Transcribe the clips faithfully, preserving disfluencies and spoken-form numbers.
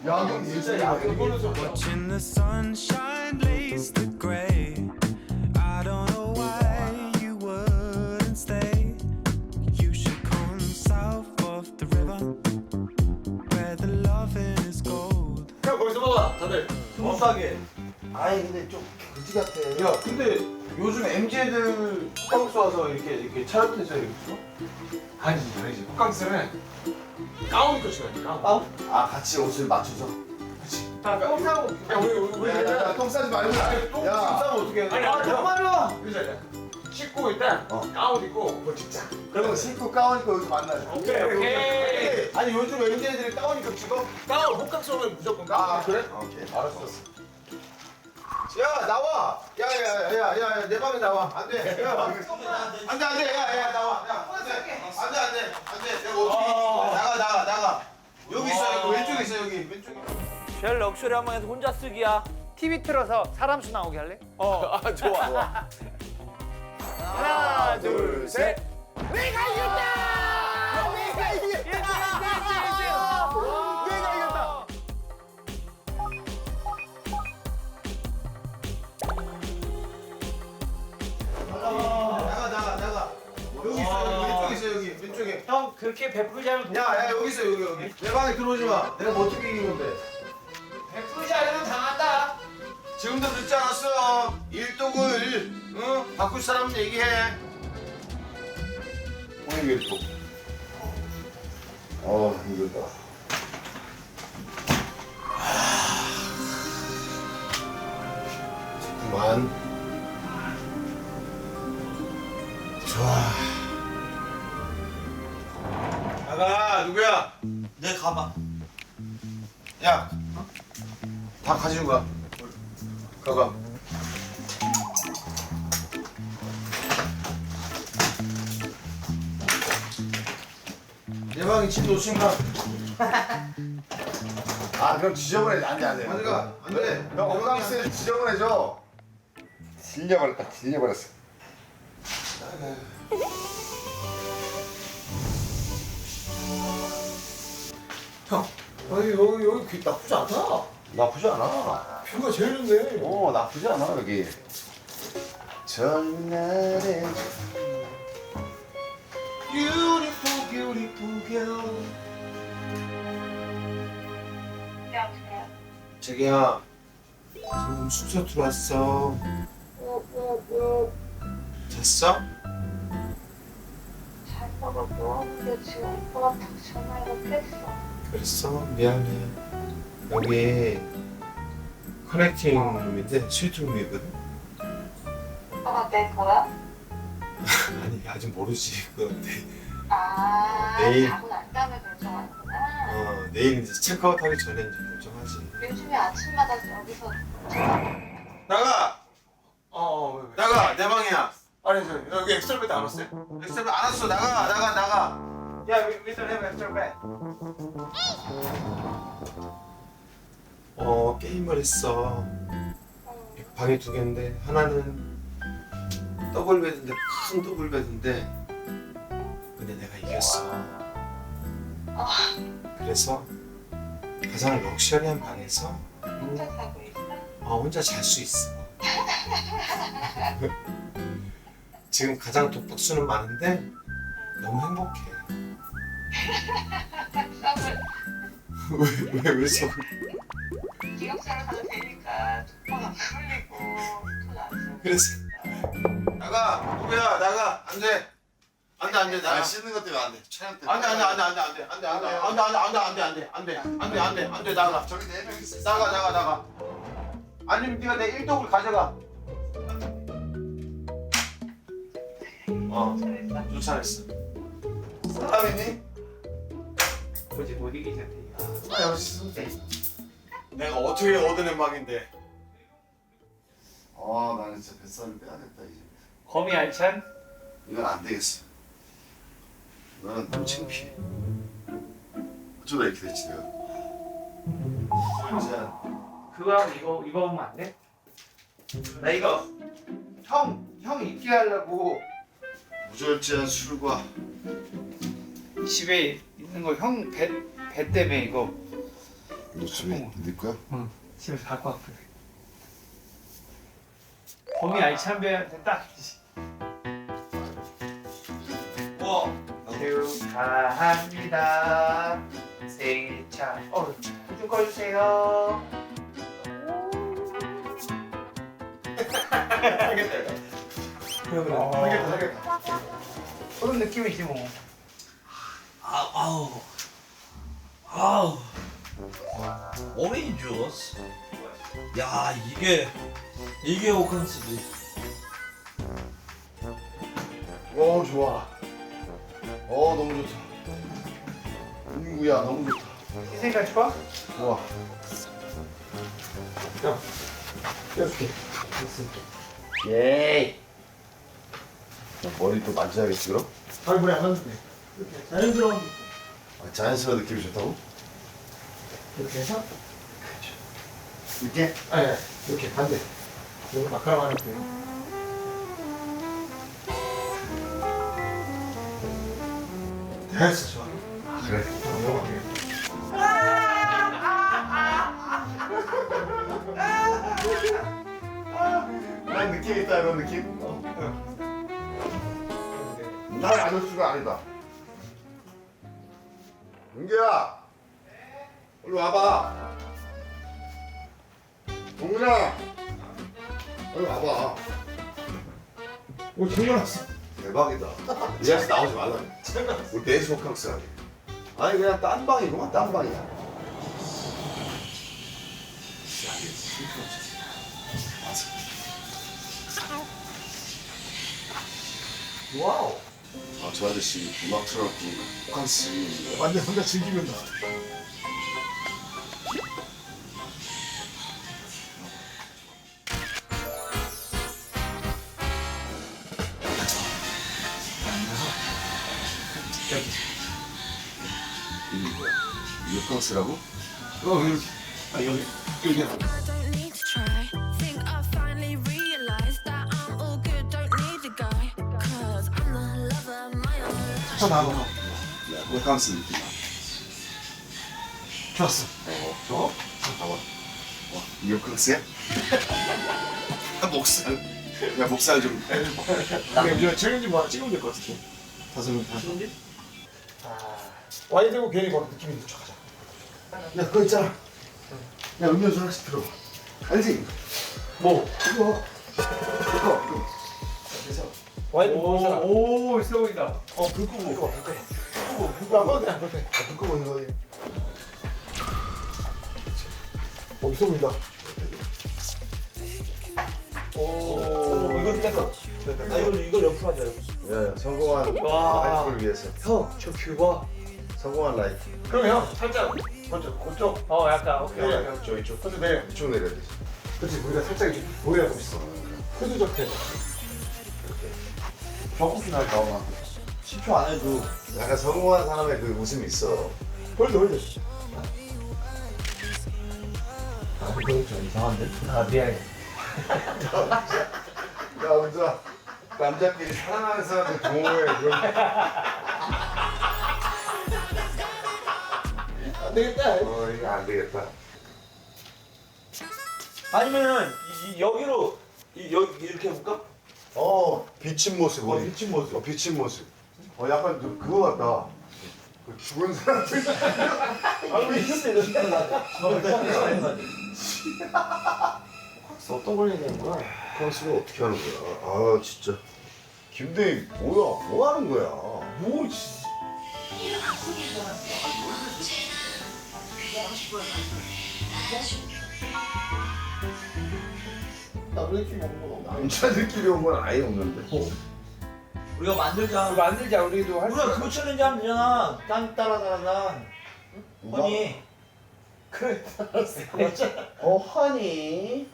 야경 진짜 야경 보면서. Watching the sunshine lace the gray. I don't know why you wouldn't stay. You should come south of the river where the loving is gold. 형 거기서 봐봐 다들 스무스하게. 아이 근데 좀 그지 같아. 야 근데 요즘 엠지 애들 호캉스 와서 이렇게 이렇게 차렷해서 이렇게 쳐? 아니지 아니지 호캉스는 가운 입고 치거든 가운. 아, 아 같이 옷을 맞춰서. 그렇지. 똥 싸고. 야 우리 우리 우리. 야야야 똥 싸지 말고. 똥 야. 싸면 어떻게 해? 아니, 아, 정말로. 그러자. 씻고 일단 어. 가운 입고 뭐 찍자. 그러면 신고 가운 입고 여기서 만나자. 오케이 오케이. 아니 요즘 엠지 애들이 가운 입고 찍어? 가운 호캉스 오면 무조건 가운. 아 그래? 오케이 알았어. 야 나와. 야야야야야 내 방에 나와. 안돼. 야 안돼 안돼. 야야 나와. 야 안돼 안돼 안돼 안돼. 내가 어떻게 나가 나가 나가. 여기 있어 여기 왼쪽에 있어 여기 왼쪽에. 별 럭셔리 한 방에서 혼자 쓰기야. 티비 틀어서 사람 수 나오게 할래? 어 아, 좋아 좋아. 하나, 둘, 셋. 내가 이겼다! 내가 이겼다! 내가 이겼다! 나가 나가 나가. 여기 있어 여기 왼쪽에 있어 여기 왼쪽에. 형 그렇게 베풀지 않으면 돈 야야 여기 있어 여기 여기. 내 방에 들어오지 마. 내가 뭐 어떻게 이긴 건데? 베풀지 않으면 당한다. 지금도 늦지 않았어. 일독을 응 바꿀 사람 얘기해. 오늘 이게 또. 어 힘들다. 그만. 좋아. 나가 누구야? 내 가방. 야, 다 가지고 가. 가가. 내 방에 집 놓친가? 아 그럼 지저분해. 안돼 안돼. 가져가. 안 돼. 형 호캉스 지저분해져. 질려버렸다. 질려버렸어. 형, 여기 여기 여기 귀 나쁘지 않다. 나쁘지 않아. 뷰가 제일 좋네. 오 나쁘지 않아 여기. 전날에 Beautiful, beautiful girl. 여보세요? 자기야, 지금 숙소 들어왔어. 오오오 잤어? 잘 먹었고 근데 지금 오빠 같아서 전화를 못했어. 그랬어? 미안해. 여기 커넥팅 룸인데 스위트 룸이거든. 오빠가 내 거야? 아니 아직 모르지. 그건데. 아 내일. 자고 난 다음에 결정하는구나. 어 내일 이제 체크아웃하기 전에 이제 결정하지. 요즘에 아침마다 여기서 나가. 어, 어 왜, 왜. 나가 내 방이야. 아니 저 여기 엑셀베드 안 왔어요? 엑셀베드 안 왔어. 나가 나가 나가. 야 미스터 햄 엑셀베드. 어 게임을 했어. 방이 두 개인데 하나는 더블 베드인데 큰 더블 베드인데 근데 내가 이겼어. 그래서 가장 럭셔리한 방에서 혼자 자고 있어? 어, 혼자 잘 수 있어. 지금 가장 독박수는 많은데 너무 행복해. 썸을 왜, 왜, 왜 써? 기억사를 가도 되니까 오빠가 풀리고 돈안 쓰고. 그래서 나가 누구야 나가 안돼 안돼 안돼 나가 씻는 것 때문에 안돼. 촬영 때문에. 안돼 안돼 안돼 안돼 안돼 안돼 안돼 안돼 안돼 안돼 안돼 안돼 안돼 안돼 안돼 안돼 나가 저기 네 명 있어. 나가 나가 나가 아니면 네가 내 일독을 가져가. 어 쫓아냈어. 사람이니? 뭐지 못 이기셨대. 아 역시 내가 어떻게 얻어낸 방인데. 아 나는 진짜 뱃살을 빼야겠다 이제. 거미 알찬? 이건 안 되겠어. 너는 너무 창피해. 어쩌다 이렇게 됐지 내가. 진짜 그거 하고 이거 이거 보면 안 돼? 나 이거 형, 형 있게 하려고. 무절제한 술과 집에 있는 거 형 배 배 때문에 이거 너 집에 네 거야? 응. 집에서 갖고 왔거든. 봄이 알찬 배한테 딱. 와. 축하합니다. 생일 참. 어, 좀 꺼주세요. 그러면 하겠다 하겠다. 그런 느낌이지 뭐. 아, 아우. 아우. 오렌지 주스. 야, 이게 이게 오칸스지. 오 좋아. 어 너무 좋다. 인구야 너무 좋다. 희생까지 봐? 좋아. 껴줄게. 예이. 머리 또 만져야겠지 그럼? 얼굴에 안 만들게. 이렇게 자연스러운 아, 자연스러운 느낌이 좋다고? 이렇게 해서 이렇게? 아니 아니, 이렇게 반대. 이거 마카롱 하는 거예요. 됐어 좋아. 아 그래. 난 느낌 있다 이런 느낌? 날 아저씨가 아니다. 은규야. 우리 와봐. 동훈아. 빨리 와봐. 오 장난았어. 대박이다. 이 아저씨 나오지 말라. 우리 넷이 호캉스 하게. 아니 그냥 딴 방이구만 딴 방이야. 와우. 아, 저 아저씨 음악 틀어놓고 호캉스. 완전 혼자 즐기면 나. 이게 뭐야? 이게 호캉스라고? 어 이렇게. 아 여기 여기. I don't need to try. Think I finally realized that I'm all good. Don't need a guy. Cause I'm the lover of my own life. 저 나와. 야, 호캉스 느낌. 좋았어. 어, 저? 봐봐. 와, 이게 호캉스야? 목살. 야, 목살 좀. 근데 이제 챌린지 뭐 하나 찍으면 될 것 같은데. 다섯 명 다. 챌린지? 아. 와인 들고 괜히 막 느낌이 있는 척하자. 야, 그거 있잖아. 야, 음료수 하나씩 들어. 알지? 뭐? 이거. 이거, 이거. 그래서. 와인 먹는 사람. 오, 있어 보인다. 어, 불 끄고. 불 끄고, 불 끄고. 불 끄고. 불 끄고. 불 끄고. 불 끄고 있는 거지. 어, 있어 보인다. 오, 이거 깼어. 아, 이걸 이걸 옆으로 하자. 야, 야, 성공한 와. 라이프를 위해서. 형, 저 뷰 봐. 성공한 라이프. 그럼 형, 살짝. 먼저, 그쪽. 어, 약간. 오케이. 야, 오케이. 야, 이쪽, 이쪽. 그쪽 내려. 이쪽 내려야 돼. 그렇지, 우리가 살짝 이렇게 보여야 멋있어. 흐드적해. 벽국이 날 나오나? 십 초 안 해도 약간 성공한 사람의 그 웃음이 있어. 홀드, 홀드. 아, 이거 좀 이상한데? 아, 미안해. 야, 은자. 남자끼리 사랑하는 사람들 동호회 그런. 안 되겠다. 어, 이거 안 되겠다. 아니면은 이, 이 여기로 이, 여기 이렇게 해볼까? 어, 비친 모습. 어, 우리. 비친 모습. 어, 비친 모습. 어, 약간 그, 그거 같다. 그 죽은 사람들. 아, 우리 이겼어, 이거. 어떤 걸 얘기하는 거야? 컨스를 어떻게 하는 거야? 아, 진짜. 김대희, 뭐야? 뭐 하는 거야? 뭐, 씨. 남자끼리 먹는 건 없나? 남자들끼리 온 건 아예 없는데. 우리가 만들자. 우리 만들자, 우리도 할 수 우리가 있어. 그거 챌린지 하면 되잖아. 딴 따라 따라 딴. 누가? 허니. 그래, 알았어. 어, 허니.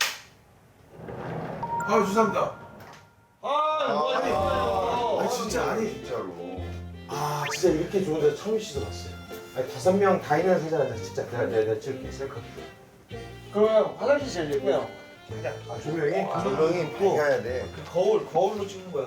아, 죄송합니다. 아, 아, 아, 진짜 아니. 진짜로. 아, 진짜 이렇게 좋은 데 처음 시도봤어요. 아니, 다섯 명 다 있는 사진한테 진짜 내가 내가 찍을게, 셀카. 그러면 화장실 제일 예쁘요. 아, 조명이? 조명이 밝아야 돼. 그 거울 거울로 찍는 거야.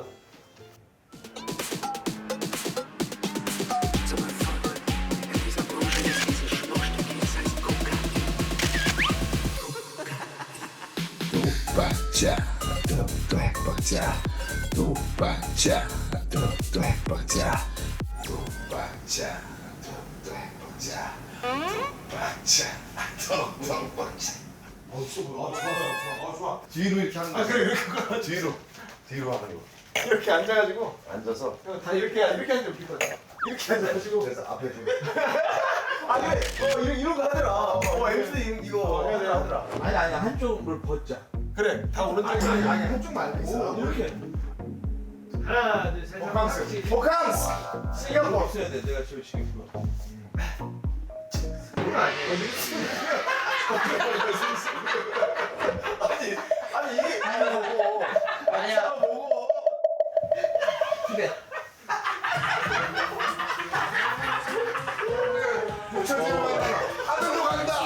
해보자 또 해보자 또 해보자 또 해보자 또 해보자 또 해보자 또 해보자 어, 좋아, 좋아, 좋아, 어, 좋아. 뒤로 이렇게 하는 거야. 그래, 이렇게 가. 뒤로 뒤로 하는 거. 이렇게 앉아가지고 앉아서 형, 다 이렇게 이렇게 앉아 웃길 거야. 이렇게 앉아가지고. 그래서 앞에 좀 아 그래, 어 이런 이런 거 하더라. 어 엠씨 이거 해야 되나 하더라. 아니 아니 한쪽을 벗자. 그래, 다 오른쪽. 아니 아니 한쪽 말고 있어. 이렇게. 하나 둘셋 호캉스. 호캉스. 신경 써. 없어야 돼. 내가 제일 치겠구나. 아니 아니 이게 아니 보고. 아니야 보고. 그래. 붙여지는 하늘로 간다.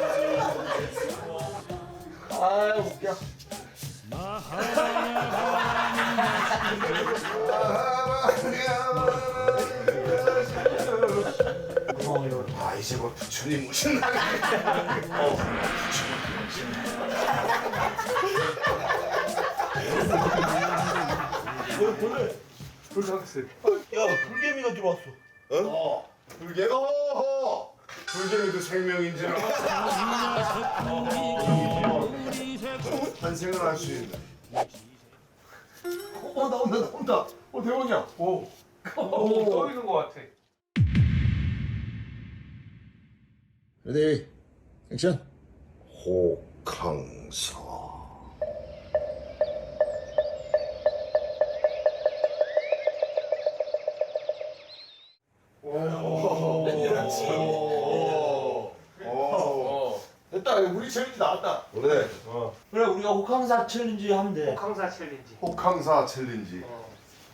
아 웃겨. 아 이제 뭐 부처님 오신다. 불캉스. 야 불개미가 들어왔어. 어? 불개가 어허. 불개미도 생명인지 탄생을 할 수 있는. 어 나온다 나온다. 어 대원이야. 오. 오, 떠 있는 것 같아. 레디 액션. 호캉사. 됐다. 우리 챌린지 나왔다. 그래. 그래 우리가 호캉사 챌린지 하면 돼. 호캉사 챌린지. 호캉사 챌린지. 어.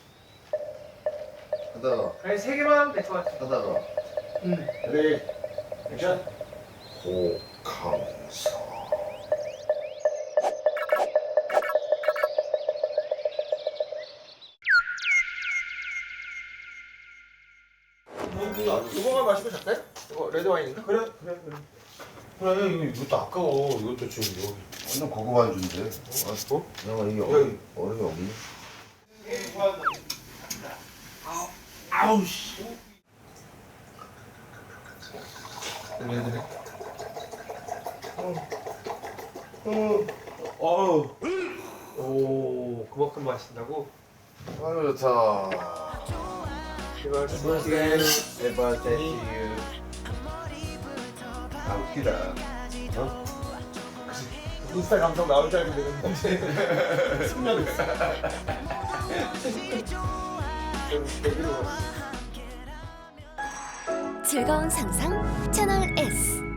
하다가 그냥 세 개만 하면 될 것 같아. 하다가 레디 액션. 호캉사. 이거만 마시고 잘까요? 이거 레드 와인인가? 그래 그래 그래. 그래 이거 이것도 아까워. 이것도 지금 여기. 완전 고급 안주인데. 어? 내가 이게 여기. 얼음이 없네. 아우 씨. 얘네들이. 어우. 오, 그만큼 마신다고? 아유 좋다. birthday, happy birthday to you. 아 웃기다. 어? 인스타 감성 나올 줄 알고 내가 숙면했어. 즐거운 상상 채널 S.